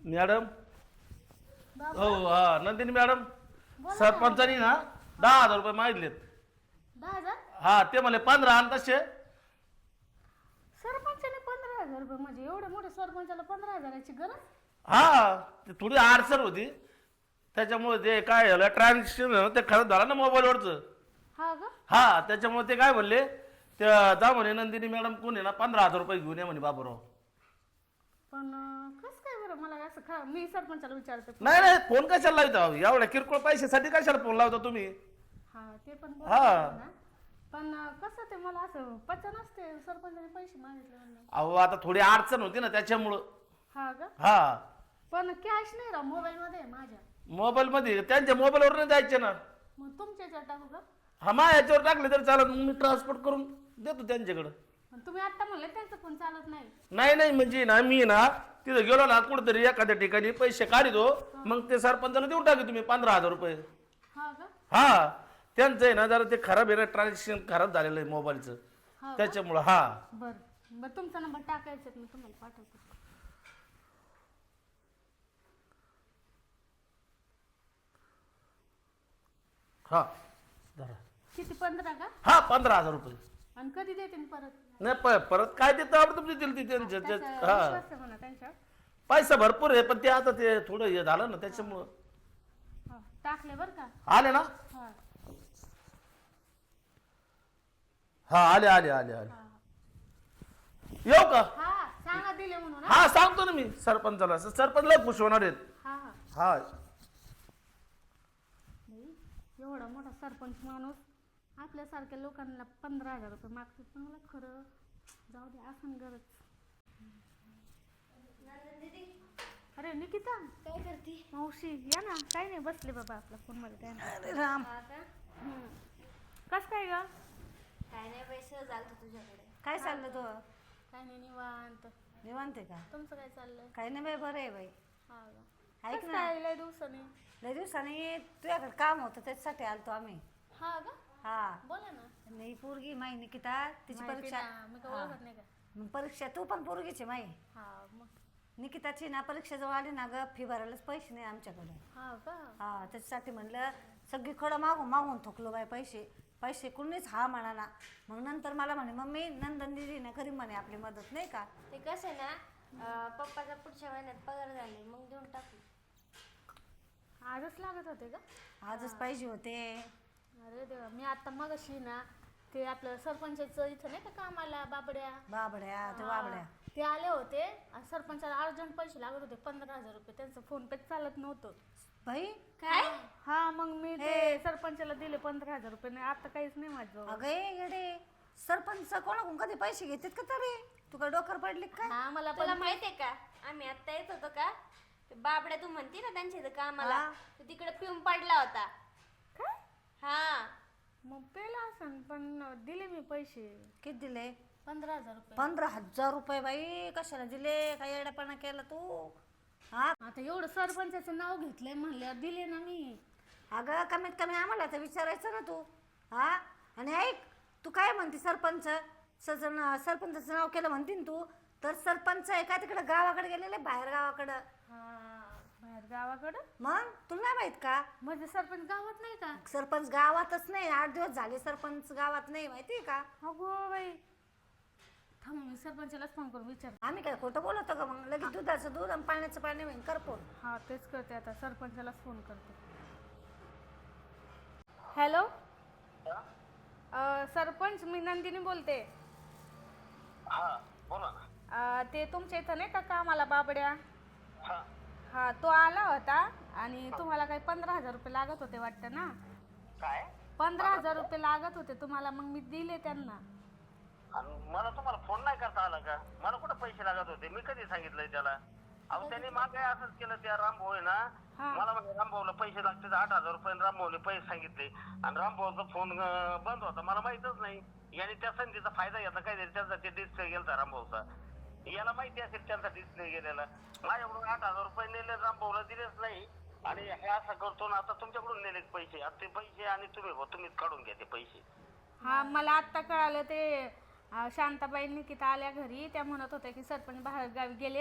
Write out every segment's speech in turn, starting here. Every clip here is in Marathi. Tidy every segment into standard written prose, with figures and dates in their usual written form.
मॅडम बाबा हो हा नंदिनी मॅडम बोला ना. सरपंचानी ना 10,000 रुपये मागितलेत. 10,000 हा ते म्हणले 15 आणि तसे सरपंचाने 15,000 रुपये म्हणजे एवढे मोठे सरपंचाला 15,000ची गरज? हा ते थोडी अडचण होती त्याच्यामुळे ते काय झालं ट्रान्झॅक्शन ते खरंच झालं ना मोबाईलवरचं. हा का? हा त्याच्यामुळे ते काय म्हणले त्या जा म्हणे नंदिनी मॅडम कोण आहे ना 15,000 रुपये घेऊन या म्हणे बाबूराव. पण कस काय बरं मला असं मी सरपंचाला विचारते. नाही नाही फोन कशाला लावता एवढ्या किरकोळ पैशासाठी कशाला फोन लावता तुम्ही. हा ते पण हा. बरोबर आहे ना. पण कसं ते मला असं पचन असते सरपंचाने पैसे मागितले म्हणून. अहो आता थोडी अडचण होती ना त्याच्यामुळं. हा का? हा पण कॅश नाही राव मोबाईल मध्ये आहे माझ्या. मोबाईल मध्ये त्यांच्या मोबाईलवर नाही जायचे ना. मग तुमच्या याच्यावर टाकू का? हा मा याच्यावर टाकले तर चालत मग मी ट्रान्सपोर्ट करून देतो त्यांच्याकडं. पण तुम्ही आता म्हणले त्यांचा फोन चालत नाही. नाही नाही म्हणजे ना मी ना तिथं गेलो ना कुठेतरी एखाद्या ठिकाणी पैसे काढितो मग ते सरपंचाला देऊन टाकले तुम्ही 15,000 रुपये. हा का? हा त्यांचं आहे ना जरा ते खराब आहे ना ट्रान्झॅक्शन खराब झालेलं आहे मोबाईलचं हा का? त्याच्यामुळं. हा बर तुमचा नंबर टाकायचा मी तुम्हाला पाठवतो. हा धरा. किती 15 का? हा 15,000 रुपये. आणि कधी देते मी परत? नाही परत काय देतं आपण तुमची दिली ती त्यांच्या त्याचा हा विश्वास आहे म्हणा त्यांच्यावर. पैसा भरपूर आहे पण ते आता ते थोडं हे झालं ना त्याच्यामुळं. हा, टाकले बर का? आले ना. हा हा आले आले आले आले. हा येऊ का. हा सांगा दिले म्हणून. हा सांगतो ना मी सरपंचाला सरपंच लय खुश होणार आहेत. हा हा हा बाई, एवढा मोठा सरपंच माणूस आपल्यासारख्या लोकांना 15,000 रुपये मागतात. पण मला खरं जाऊ दे असं गरज. अरे निकिता काय करते? मावशी या ना. काही नाही बसले बाबा आपला फोन मध्ये काय नाही. अरे राम. हा का? कस काय ग? काय नाही बाई सहज आलतो तुझ्याकडे. काय चाललं तो काय नाही निवांत. निवांत आहे का? तुमचं काय चाललंय? काही नाही बाई बरं आहे बाई. हा का? ऐक कसं ना काय लय दिवसाने? लय दिवसांनी तुझ्याकडे काम होतं त्याच्यासाठी आलतो आम्ही. हा का? हा बोला ना. नाही पोरगी माई निकिता तिची माहिती परीक्षा. ना, मी काय हा. ओळखत नाही का? मग परीक्षा तू पण पोरगीची माई. हा मग. निकिताची ना परीक्षा जवळ आली ना ग फी भरायलाच पैसे नाही आमच्याकडे. हा का? हा त्याच्यासाठी म्हणलं सगळीकडं मागून मागून थकलो बाई पैसे पैसे कुणीच हा म्हणा ना. मग नंतर मला म्हणे मम्मी नंदन दिदी ना करी म्हणे आपली मदत नाही का. ते कसं आहे ना पप्पाचा पुढच्या महिन्यात पगार झाले मग देऊन टाकू. आजच लागत होते का? आजच पाहिजे होते. अरे देवा मी आता मगाशी ना ते आपलं सरपंचाचं इथं नाही का कामाला बाबड्या बाबड्या ते बाबड्या ते आले होते आणि सरपंचाला अर्जंट पैसे लागत होते 15,000 रुपये. त्यांचं फोन पे चालत नव्हतं. बाई काय? हा मग मी ते सरपंचाला दिले 15,000 रुपये. नाही आता काहीच नाही माझं. अगं येडे सरपंच कोणाकडून कधी पैसे घेतात का तरी तू काय डोकर पडली काय. हा मला तुला पण माहित आहे का आम्ही आत्ता येत होतो का ते बाबड्या तू म्हणते ना त्यांच्या इथं कामाला हा. तो तिकडे पिऊन पडला होता. काय हा मग पेला असं पण दिले मी पैसे किती दिले? 15,000 रुपये. 15,000 रुपये बाई कशाला दिले काय येडापणा केला तू. हा आता एवढं सरपंचाचं नाव घेतलंय म्हणल्यावर दिले ना मी. अगं कमीत कमी आम्हाला तर विचारायचं ना तू. हा आणि ऐक तू काय म्हणते सरपंच सरपंचाचं नाव केलं म्हणते ना तू तर सरपंच आहे का तिकडे गावाकडे गेलेले बाहेर गावाकडं. हा बाहेर गावाकडं. मग तुला नाही माहित का म्हणजे सरपंच गावात नाही का? सरपंच गावातच नाही 8 दिवस झाले सरपंच गावात नाही माहितीये का. अगो बाई थांब मी सरपंचालाच फोन करून विचार. आम्ही काय खोटं बोलतो का मग लगेच दुधाचं दूध आणि पाण्याचं पाणी होईन कर फोन. हा तेच करते आता सरपंचालाच फोन करते. हॅलो सरपंच मी नंदिनी बोलते. हा बोला ना. ते तुमच्या इथं नाही का कामाला बाबड्या. हा हा तो आला होता आणि तुम्हाला काही 15,000 रुपये लागत होते वाटतं ना. काय 15,000 रुपये लागत होते तुम्हाला मग मी दिले त्यांना. मला तुम्हाला फोन नाही करता आला का. मला कुठे पैसे लागत होते मी कधी सांगितलंय त्याला. अहो त्यांनी मागे असंच केलं त्या रामभाऊ आहे ना हा. मला म्हणजे रामभाऊला पैसे लागते 8,000 रुपये रामभाऊने पैसे सांगितले आणि रामभाऊचा फोन बंद होता मला माहितच नाही. याने त्या संधीचा फायदा घेतला काहीतरी त्यांचा ते डिस्प्ले गेलता रामभाऊचा. याला माहिती असेल त्यांचा डिस्प्ले गेलेला. माझ्याकडून 8,000 रुपये नेले रामभाऊला दिलेच नाही आणि हे असं करतो ना आता तुमच्याकडून नेले पैसे. आता ते पैसे आणि तुम्हीच काढून घ्या ते पैसे. हा मला आत्ता कळालं ते शांताबाई निकिता आल्या घरी त्या म्हणत होत्या की सरपंच बाहेर गावी गेलेत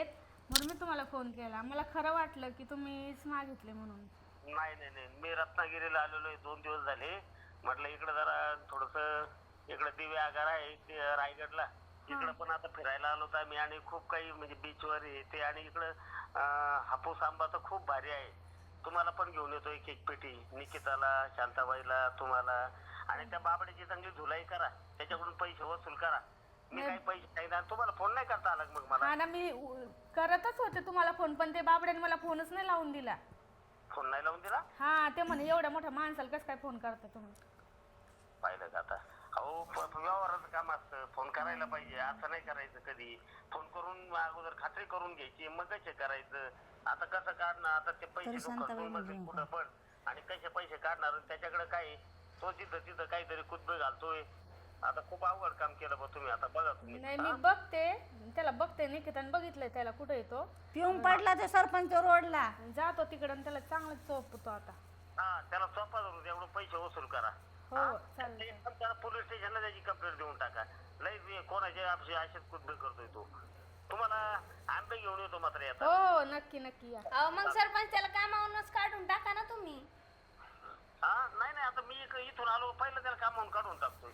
म्हणून मी तुम्हाला फोन केला. मला खरं वाटलं की तुम्हीच मागितले म्हणून. नाही, मी रत्नागिरीला आलेलो आहे 2 दिवस झाले. म्हटलं इकडे जरा थोडस इकडे दिवे आगार आहे ते रायगडला, इकडे पण आता फिरायला आलो तर आम्ही. आणि खूप काही म्हणजे बीचवर येते आणि इकडं हापूस आंबा तर खूप भारी आहे. तुम्हाला पण घेऊन येतो एक एक पेटी, निकिताला, शांताबाईला, तुम्हाला. आणि त्या बाबड्याची चांगली धुलाई करा, त्याच्याकडून पैसे वसूल करा. मी काही पैसे नाही, तुम्हाला फोन नाही करता आला मग मला. हा ना, मी करतच होते तुम्हाला फोन, पण ते बाबड्याने मला फोनच नाही लावून दिला. फोन नाही लावून दिला? हा, ते म्हणे एवढ्या मोठ्या माणसाला कसं काय फोन करता तुम्ही. पाहिलं का आता. अहो व्यवहाराचं काम असतं, फोन करायला पाहिजे, असं नाही करायचं कधी. फोन करून अगोदर खात्री करून घ्यायची, मग कसे करायचं. आता कसं काढणार, आता ते पैसे कुठं पण, आणि कसे पैसे काढणार, त्याच्याकडे काय तो तिथं काहीतरी कुदबे घालतोय. आता खूप अवघड काम केलं बा तुम्ही. आता बघा तुम्ही. नाही, मी बघते त्याला, बघते निकिताने बघितलंय त्याला कुठे येतो. पिऊन पडला ते सरपंच रोडला. जातो तिकडे आणि त्याला चांगलं चोपतो आता. हा, त्याला सोपा धरून एवढं पैसे वसूल करा. हो चालेल. त्याला पोलीस स्टेशनला त्याची कंप्लेंट देऊन टाका. लई कोणाचे असेच कुदबे करतोय तो. तुम्हाला आंबे घेऊन येतो मात्र येतात. हो नक्की या. अहो मग सरपंच त्याला कामावरूनच काढून टाका ना तुम्ही. हा, नाही आता मी इथून आलो, पहिलं त्याला कामावून काढून टाकतोय.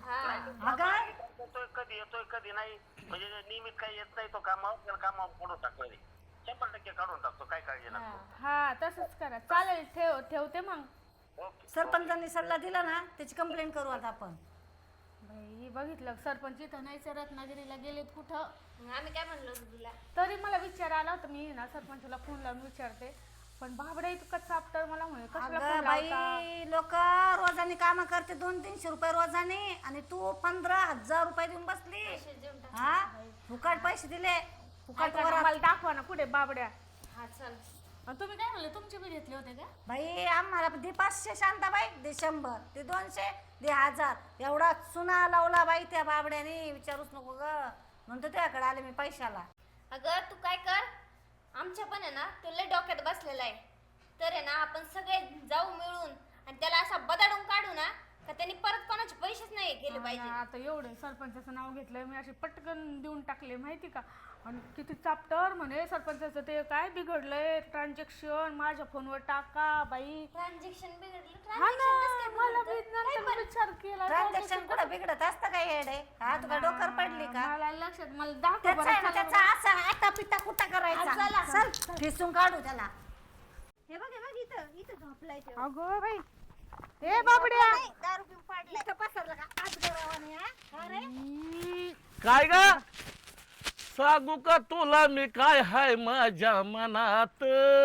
कधी येतोय कधी नाही, म्हणजे नियमित काही येत नाही तो कामावर, त्याला कामावर काढून टाकतोय. 100% काढून टाकतो, काय काळजी नसतो. हा तसंच करा. चालेल, ठेवते मग. ओके. सरपंचांनी सल्ला दिला ना, त्याची कंप्लेंट करू आता आपण. बाई बघितलं, सरपंच इथं नाही, रत्नागिरीला गेलेत कुठं. आम्ही काय म्हणलो होतो तुला. तरी मला विचार आला होता, मी ना सरपंचाला फोन लावून विचारते, पण बाबडा इतकं चापटर मला म्हणे कसला अगं फोन लावता. बाई, लोक रोजाने काम करते 200-300 रुपये रोजाने, आणि तू 15,000 रुपये देऊन बसली. पैसे देऊन टाक. हा, फुकट पैसे दिले, फुकट काय करणार, वरात. मला दाखवा ना कुठे बाबड्या. हा चल. आणि तुम्ही काय म्हणले, तुमचे बी घेतले होते का? बाई आम्हाला दे 500 शांताबाई, दे 100, दे 200, दे 1000. एवढा चुना लावला बाई त्या बाबड्याने, विचारूच नको ग. म्हणतो त्याकडे आले मी पैशाला. अगं तू काय कर, आमच्या पण आहे ना तो लय डोक्यात बसलेला आहे. तर आहे ना आपण सगळे जाऊ मिळून आणि त्याला असा बदाडून काढू ना, का त्यांनी परत कोणाचे पैसेच नाही केले पाहिजे. आता एवढे सरपंचाचं नाव घेतलंय मी, असे पटकन देऊन टाकले माहिती का. आणि किती चापटर म्हणे सरपंचाचं, ते काय बिघडलंय ट्रान्झॅक्शन, माझ्या फोनवर टाका बाई. ट्रान्झॅक्शन बिघडलं. हा ना, मला बी नंतर विचार केला. ट्रान्झॅक्शन कुठं बिघडत असतं काय येडे? हा, तुला डोकर पडली का? मला लक्षात, मला दाखव त्याचा बरं. आहे ना, चला त्याचा असा आता पिता कुठं चला. करायचा. चल ठेसून काढू त्याला. हे बघ इथं झोपलाय तो. अगो बाई, ए बाबड्या, दारू पिऊन पाडलाय. इथं पसरलं का आज गरावाने? हा का रे? काय ग सांगू का तुला मी काय हाय माझ्या मनात.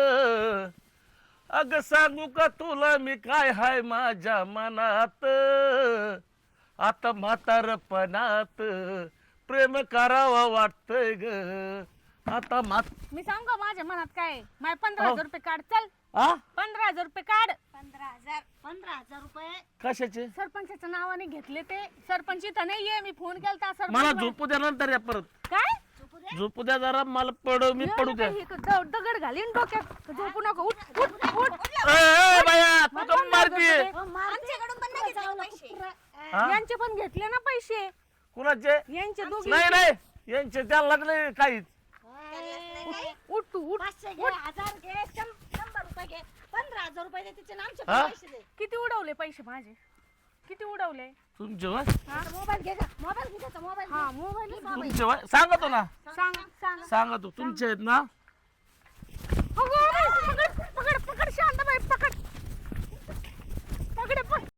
अग सांगू का तुला मी काय हाय माझ्या मनात. आता म्हातारपणात प्रेम करावं वाटतंय ग. आता मी सांगू का माझ्या मनात काय? माझे 15,000 रुपये काढ. चल, आ 15,000 रुपये काढ. 15,000 रुपये कशाचे? सरपंचाच्या नावाने घेतले ते. सरपंच इथं नाहीये, मी फोन केलता मला सरपंच. झोपू द्या नंतर या परत. काय झोपू द्या जरा, मला मी पडू द्या. दगड घालीन डोक्यात, झोपू नको. उठ उठ उठ. ए बाया तू कम मारतीये. आमच्याकडून पण नाही घेतले पैसे. हा? यांचे पण घेतले ना पैसे, कुणाचे? यांचे दोघे. नाही यांचे त्याला लागले काहीच. उठ तू उठ. 500 घे, 1000 घे, 100 रुपये घे, 15,000 रुपये दे तिचे आमचे हा? पैसे दे. किती उडवले पैसे माझे, किती उडवले? तुमचे वय? मोबाईल घे का? मोबाईल घे त्याचा मोबाईल. हा मोबाईल तुमचे वय? सांगतो ना, सांग. सांगतो तुमचे आहेत ना. अगो बाई, पकड पकड पकड शांताबाई, पकड पकड पकड.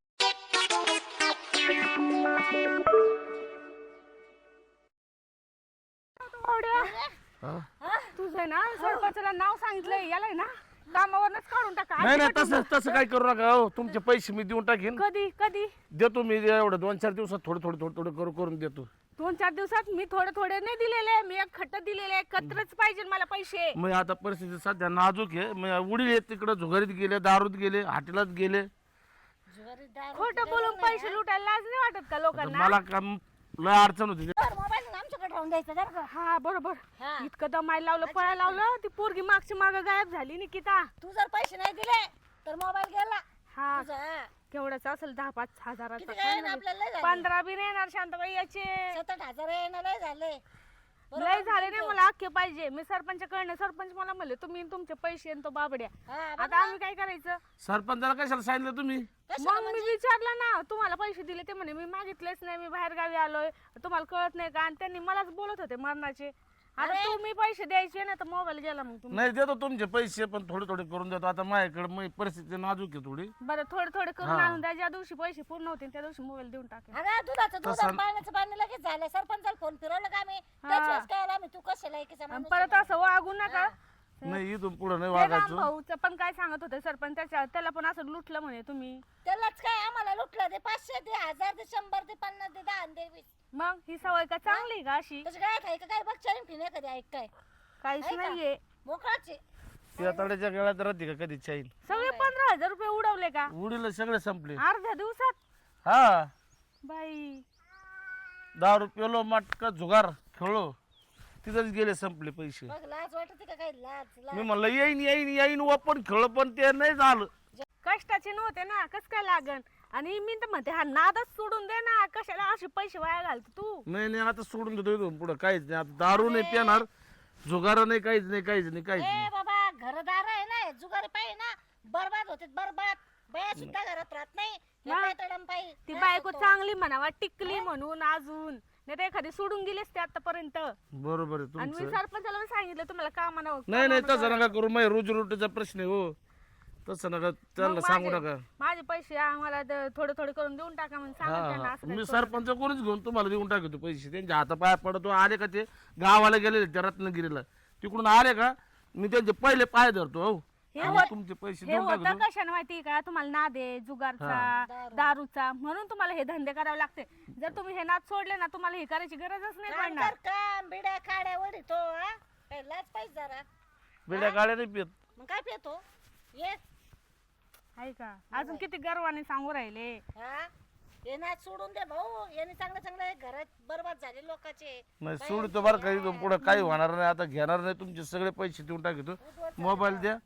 हा? तुझं ना सरपंचाला नाव सांगितलंय, याला ना कामावरच काढून टाका. नाही तसं काही करू नका हो. तुमचे पैसे मी देऊन टाकीन. कधी कधी देतो मी एवढं 2-4 दिवसात थोडं करून देतो. 2-4 दिवसात? मी थोडे नाही दिलेले, मी एक खट्ट दिलेले. कत्रच पाहिजे मला पैसे. मग आता परिस्थिती सध्या नाजूक आहे. मग उडी येत तिकडं झुगारीत गेले, दारूत गेले, हॉटेलात गेले. खोटं बोलून पैसे लुटायला लाज नाही वाटत का लोकांना? मला काम लय अडचण होती. मोबाईल आमच्याकडे राहून द्यायचा जर का. हा बरोबर. हा. इतकं दमायला लावलं, पळायला लावलं, ती पोरगी मागची माग गायब झाली निकिता. तू जर पैसे नाही दिले तर मोबाईल गेला हा तुझा. हा. केवढाच असेल, 10-5 हजाराचा. किती काय ना आपल्याला लय झाले. 15 बी नाही येणार शांताबाई याचे. 7-8 हजार येणं लय झाले. लय झाले नाही मला अख्खे पाहिजे. मी सरपंचाकडनं सरपंच मला म्हणले तुम्ही तुमचे पैसे आणि तो बाबड्या. हा, बघ आता आम्ही काय करायचं? सरपंचाला कशाला सांगितलं तुम्ही? कशाला मग मी विचारलं ना तुम्हाला पैसे दिले ते म्हणे मी मागितलेच नाही, मी बाहेर गावी आलोय, तुम्हाला कळत नाही का? आणि त्यांनी मलाच बोलत होते मरणाचे. आता तुम्ही पैसे द्यायचे ना तर मोबाईल गेला मग तुम्ही. नाही देतो तुमचे पैसे पण थोडे थोडे करून देतो. आता माझ्याकडे परिस्थिती नाजूक आहे थोडी. बरं थोडे थोडे करून आणून द्या. ज्या दिवशी पैसे पूर्ण होतील त्या दिवशी मोबाईल देऊन टाकेल. अगं दुधाचं दूध आणि पाण्याचं पाणी लगेच झालं. सरपंचाला फोन फिरवलं का आम्ही त्याच काय आम्ही तू कशाला एकीचा आणि माणूस परत असं वागू नका. नाही इथून पुढे नाही ते वागायचं. भाऊचं पण काय सांगत होते सरपंच, त्याला पण असं लुटलं म्हणे तुम्ही. त्यालाच काय आम्हाला लुटलं ते 500 दे 1000 दे 100 दे 50 दे 10 दे 20. मग ही सवय का चांगली का अशी? तसं काय खायचं काय बघ चालीन फिने कधी ऐक काय काहीच आहे का? नाहीये. मोकळाचे त्या तड्याच्या गळ्यात राहते का कधी चाईन? सगळे 15,000 रुपये उडवले का उडीला सगळे संपले. अर्ध्या दिवसात? हा बाई 10 रुपये मटका जुगार खेळलो तिथंच गेले संपले पैसे. बघ लाज वाटते का काय लाज मी म्हणलं येईन येईन येईन ओपन खेळ पण ते नाही झालं. कष्टाचे नव्हते ना, कस काय लागन? आणि मी तर म्हणते हा नादच सोडून दे ना, कशाला असे पैसे वाया घालतो तू? नाही नाही आता सोडून देतो इथून पुढं काहीच नाही. आता दारू नाही पिणार, जुगार नाही, काहीच नाही काहीच नाही काहीच ए नाही. बाबा घरदार आहे ना जुगारी पाहिजे ना बरबाद होते बरबाद. बाया सुद्धा घरात राहत नाही हे मग? काय तडम पाहिजे ती बायको चांगली म्हणावा टिकली म्हणून अजून, नाही तर एखादी सोडून गेलेस ते आतापर्यंत. बरोबर आहे आणि मी तुमचं. सरपंचाला पण सांगितलं तुम्हाला कामा नाही नाही तसं नका करू. माझ्या रोजीरोटीचा प्रश्न आहे हो. तसं नका त्यांना सांगू नका. माझे पैसे आम्हाला थोडे थोडे करून देऊन टाका म्हणून सांगा हा त्यांना. हा असं काही मी करू सरपंच कोणीच घेऊन तुम्हाला देऊन टाकतो पैसे. त्यांच्या हातापाया पडतो. आले का ते गावाला गेलेले त्या रत्नागिरीला तिकडून आले का मी त्यांचे पहिले पाय धरतो. हो आणि तुमचे पैसे हे देऊन होतं टाकतो. कशाने माहिती का? तुम्हाला नाद आहे जुगारचा दारूचा, म्हणून तुम्हाला हे धंदे करावे लागते. जर तुम्ही हे नाद सोडले ना तुम्हाला हे करायची गरजच नाही काम पडणार. कर काम बिड्या खाड्या वडीतो हा काय लाज पाहिजे जरा. बिड्या गाड्या नाही पित. मग काय पितो ये आहे का? अजून किती गर्वाने सांगू राहिले. हा हे नाच सोडून दे भाऊ. याने चांगलं चांगलं घरात बरबाद झाले लोकांचे. नाही सोडतो बरं का इथून पुढं काही होणार नाही. आता घेणार नाही तुमचे सगळे पैसे देऊन टाकतो. मोबाईल द्या.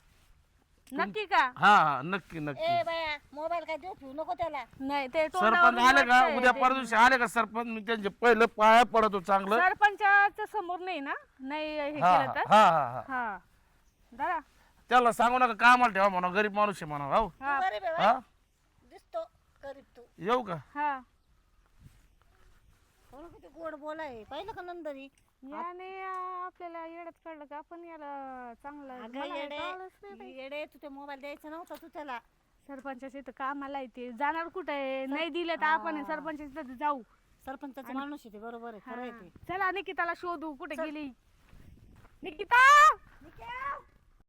नक्की का? हा हा नक्की नक्की. ए बाया मोबाईल काय देऊ ठेवू नको त्याला. नाही ते सरपंच तोंडावरून आले का वाटतंय उद्या ते. परवा दिवशी आले का सरपंच मी त्यांचे पहिले पाया पडतो चांगलं. सरपंचाच्या समोर नाही ना, नाही हे हा केलं तर. हा हा हा हा दादा त्याला सांगू नका कामाला ठेवा म्हणा. गरीब माणूस आहे म्हणा. हो तू गरीब आहे हा बाई. दिसतो गरीब तू. येऊ का? हा कोण किती गोड बोलाय पाहिलं का नंदनी. याने आपल्याला येड्यात काढलं का? आपण याला चांगलं अगं मला हे येडे कळलंच नाही बाई. येडे तू ते मोबाईल द्यायचा नव्हता तू त्याला. सरपंचाच्या इथं कामाला येते जाणार कुठे? नाही दिले तर आपण सरपंचाच्या इथं जाऊ. सरपंचाचा माणूस आहे ते बरोबर आहे खरं आहे ते. चला निकिताला शोधू कुठे गेली. निकिता